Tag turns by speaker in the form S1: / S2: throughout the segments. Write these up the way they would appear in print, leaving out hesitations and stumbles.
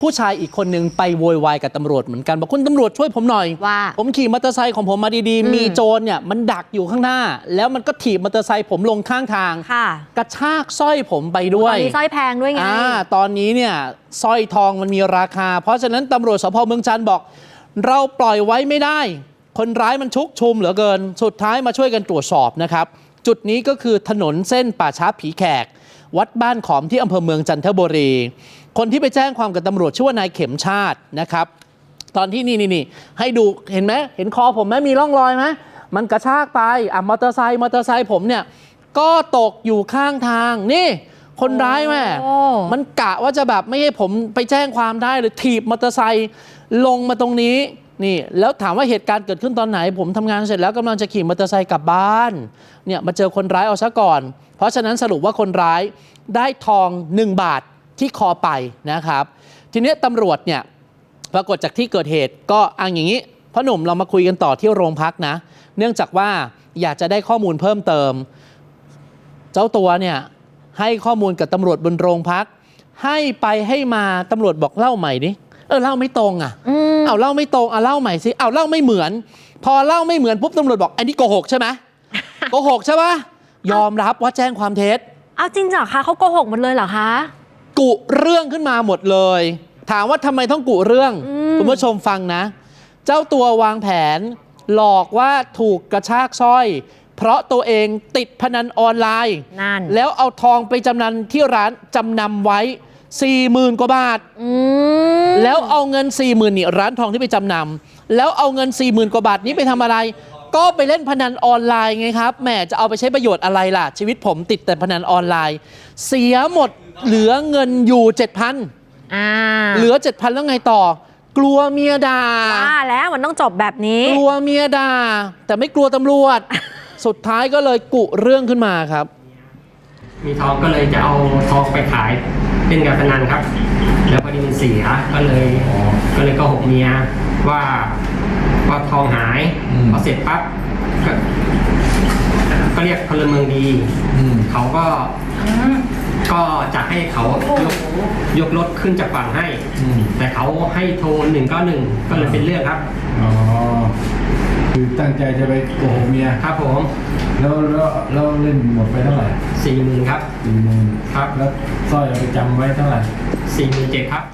S1: ผู้ชายอีกคนนึงไปโวยวายกับตำรวจเหมือนกันบอกคุณตำรวจช่วยผมหน่อย
S2: ว่า
S1: ผมขี่มอเตอร์ไซค์ของผมมาดีๆมีโจรเนี่ยมันดักอยู่ข้างหน้าแล้วมันก็ถีบมอเตอร์ไซค์ผมลงข้างทางกระชากสร้อยผมไปด้วย
S2: ตอนนี้สร้อยแพงด้วยไง
S1: ตอนนี้เนี่ยสร้อยทองมันมีราคาเพราะฉะนั้นตำรวจสภ.เมืองจันทร์บอกเราปล่อยไว้ไม่ได้คนร้ายมันชุกชุมเหลือเกินสุดท้ายมาช่วยกันตรวจสอบนะครับจุดนี้ก็คือถนนเส้นป่าช้าผีแขกวัดบ้านขอมที่อำเภอเมืองจันทบุรีคนที่ไปแจ้งความกับตำรวจชื่อว่านายเข็มชาตินะครับตอนที่นี่ให้ดูเห็นไหมเห็นคอผมไหมมีร่องรอยไหมมันกระชากไปมอเตอร์ไซค์ผมเนี่ยก็ตกอยู่ข้างทางนี่คนร้ายแม่มันกะว่าจะแบบไม่ให้ผมไปแจ้งความได้หรือถีบมอเตอร์ไซค์ลงมาตรงนี้นี่แล้วถามว่าเหตุการณ์เกิดขึ้นตอนไหนผมทำงานเสร็จแล้วกำลังจะขี่มอเตอร์ไซค์กลับบ้านเนี่ยมาเจอคนร้ายเอาซะก่อนเพราะฉะนั้นสรุปว่าคนร้ายได้ทอง1 บาทที่คอไปนะครับทีนี้ตำรวจเนี่ยปรากฏจากที่เกิดเหตุก็อย่างนี้พ่อหนุ่มเรามาคุยกันต่อที่โรงพักนะเนื่องจากว่าอยากจะได้ข้อมูลเพิ่มเติมเจ้าตัวเนี่ยให้ข้อมูลกับตำรวจบนโรงพักให้ไปให้มาตำรวจบอกเล่าใหม่ดิเล่าไม่ตรงเอาเล่าไม่ตรงเล่าใหม่สิเล่าไม่เหมือนพอเล่าไม่เหมือนปุ๊บตำรวจบอกอันนี้โกหกใช่ไหม โกหกใช่ปะยอมรับว่าแจ้งความเท็จ
S2: เอาจริงเหรอคะเขาโกหกหมดเลยเหรอคะ
S1: กุเรื่องขึ้นมาหมดเลยถามว่าทำไมต้องกุเรื่องคุณผู้ชมฟังนะเจ้าตัววางแผนหลอกว่าถูกกระชากสร้อยเพราะตัวเองติดพนันออนไลน์แล้วเอาทองไปจำนำที่ร้านจำนำไว้40,000 กว่าบาทแล้วเอาเงิน 40,000นี่ร้านทองที่ไปจำนำแล้วเอาเงิน 40,000 กว่าบาทนี้ไปทำอะไรก็ไปเล่นพนันออนไลน์ไงครับแหมจะเอาไปใช้ประโยชน์อะไรล่ะชีวิตผมติดแต่พนันออนไลน์เสียหมดเหลือเงินอยู่ 7,000เหลือ 7,000 แล้วไงต่อกลัวเมียด่า
S2: แล้วมันต้องจบแบบนี้
S1: กลัวเมียด่าแต่ไม่กลัวตำรวจสุดท้ายก็เลยกุเรื่องขึ้นมาครับ
S3: มีทองก็เลยจะเอาทองไปขายเป็นการพนันครับแล้วพอดีมันเสียก็เลยโกหกเมียว่าทองหายพอเสร็จปั๊บก็เรียกพลเมืองดีเขาก็จะให้เขายกรถขึ้นจากฝั่งให้แต่เขาให้โทร191ก็เลยเป็นเรื่องครับ
S4: คือตั้งใจจะไปโกหกเมีย
S3: ครับผม
S4: แล้วเล่นหมดไปเท่าไหร่
S3: 40,000ครับ
S4: 40,000ครับแล้วสร้อยเอาไปจำไว้เท่าไหร่
S3: 47,000ครับ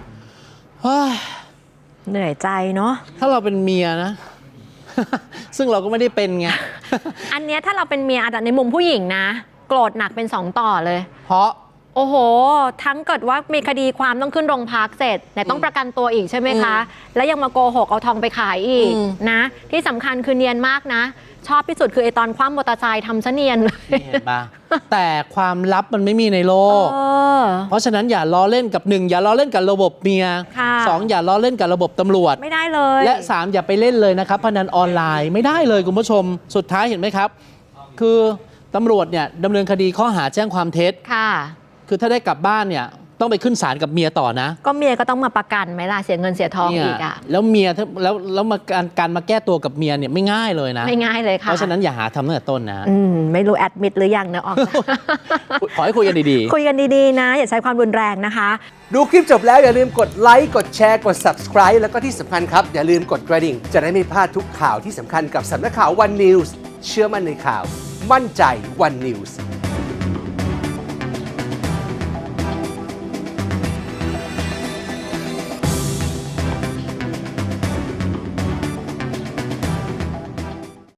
S2: เหนื่อยใจเนาะ
S1: ถ้าเราเป็นเมียนะ ซึ่งเราก็ไม่ได้เป็นไง
S2: อันเนี้ยถ้าเราเป็นเมียอาจจะในมุมผู้หญิงนะโกรธหนักเป็น2 ต่อเลย
S1: เพราะ
S2: โอ้โหทั้งเกิดว่ามีคดีความต้องขึ้นโรงพักเสร็จแต่ต้องประกันตัวอีกใช่ไหมคะแล้วยังมาโกหกเอาทองไปขายอีกนะที่สำคัญคือเนียนมากนะชอบที่สุดคือไอตอนคว่ำมอเตอร์ไซค์ทำซะเนียนเลย
S1: เห็นปะแต่ความลับมันไม่มีในโลกเพราะฉะนั้นอย่าล้อเล่นกับ1อย่าล้อเล่นกับระบบเมีย2อย่าล้อเล่นกับระบบตำรวจ
S2: ไม่ได้เลย
S1: และ3อย่าไปเล่นเลยนะครับพนันออนไลน์ไม่ได้เลยคุณผู้ชมสุดท้ายเห็นไหมครับคือตำรวจเนี่ยดำเนินคดีข้อหาแจ้งความเท็จคือถ้าได้กลับบ้านเนี่ยต้องไปขึ้นศาลกับเมียต่อนะ
S2: ก็เมียก็ต้องมาประกันไหมล่ะเสียเงินเสียทองอีก
S1: แล้วเมียแล้วมาการมาแก้ตัวกับเมียเนี่ยไม่ง่ายเลยนะ
S2: ไม่ง่ายเลยค่ะ
S1: เพราะฉะนั้นอย่าหาทำตั้งแต่ต้นนะ
S2: ไม่รู้แอดมิดหรือยังนะออก
S1: ขอให้คุยกันดี
S2: ๆคุยกันดีๆนะอย่าใช้ความรุนแรงนะคะ
S5: ดูคลิปจบแล้วอย่าลืมกดไลค์กดแชร์กด Subscribe แล้วก็ที่สำคัญครับอย่าลืมกดกระดิ่งจะได้ไม่พลาดทุกข่าวที่สำคัญกับสำนักข่าว One News เชื่อมั่นในข่าวมั่นใจ One News